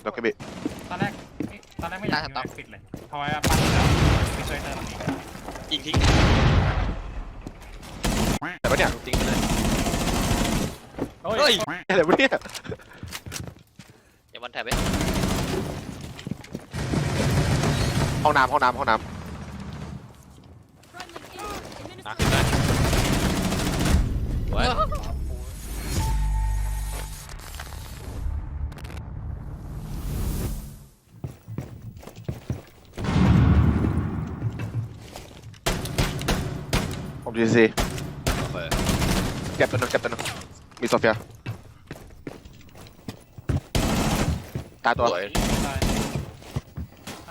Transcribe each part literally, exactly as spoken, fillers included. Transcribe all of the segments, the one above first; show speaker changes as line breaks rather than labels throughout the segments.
ล็อกเก็ตบิ
ตอนแรกตอนแรกไม่อยากยิงปิดเลยเพราะว่าปั้นแล้วปิดช่วยเติมอีก
ยิงทิ้ง
แต่ปะเนี่ย
ทิ้งไปเลย
เฮ้ย
อะไรวะเนี่ย
อย่าวันแถบไป
ห้องน้ำห้องน้ำห้องน้
อ่ะขึ้นได้ไว้
ำผมดีซี
โอเค
เก็บตัวนึงเก็บตัวนึงมีโซเฟียตายตัว
สวย
ตายตาย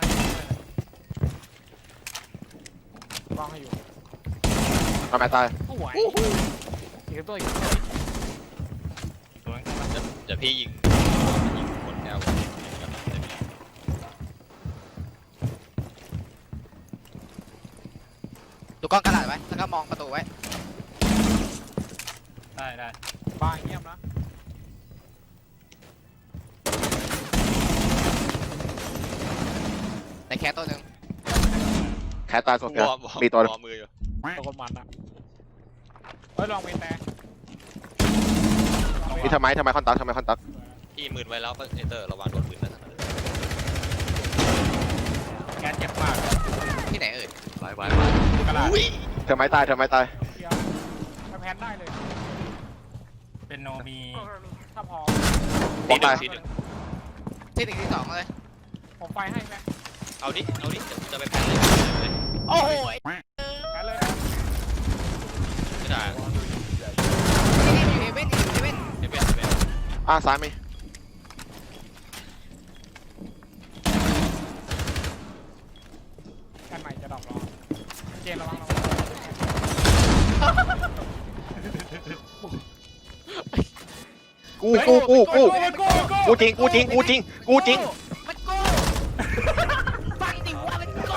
วางให้อยู่
น้องแม่ตาย
โอ้ยอีกตัวอีกตัว
อีกตัวนึง
เดี๋ยวพี่ยิงยิงคนแนว
ดูกล้องกระดาษไว้แล้วก็มองประตูไว้
ได้ได้
บางเงียบนะ
ในแคสตัวหนึ่ง
แคทตายโซเฟียว
อร์ม
มีตัวนึง
วอร์มมืออยู่
ตัวคนมันอ่ะเฮ้ยลองเมนแต่
มีทำไมทำไมคอนตักทำไมคอนตัก
พี่มืนไว้แล้วเอเตอร์ระวังโดนปืนนะ
แกเจ็บมาก
ที่ไหนเอ่ย
ไว้ไว้ไว้
กระดาษ
เธอไม้ตายเธอไม้ตาย
เดียวถ้าแพนได้เลย
เป็นโนมี
ถ้าพอ
บอกตาย
ทีหนึ่ง
ที่หนึ่งที่สองเลย
ผมไฟให้แพน
เอาดิเอาดิเดี๋ยวจะไปแพ้เลย
โอ้โห
แพนเลย
ไม่ได้
อยู่เฮเว่นอยู่เฮเว่น
เดี๋ยวเป็นเป็น
อ่ะซ้ายมี
แพนใหม่จะดรอปรอเจนระวังระวัง
กูกูกูกูกูจริงกูจริงกูจริงกูจริง
มันโก้ฟังดิว่ามันโก้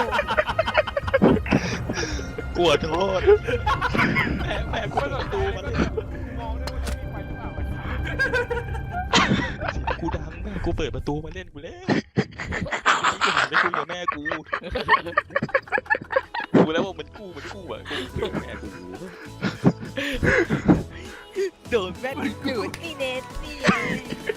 กลัวโทษแพ้แพ้กูประตูมาเลย
มองด้วยว่าจะมีไฟหรือเปล่า
กูดังแม่กูเปิดประตูมาเล่นกูแล้วกูหันไปคุยกับแม่กูกูแล้วว่ามันกู้มันกู้อ่ะกูคุยกับแม่กู
โดนแม่นอยู่นี่เน็ตนี่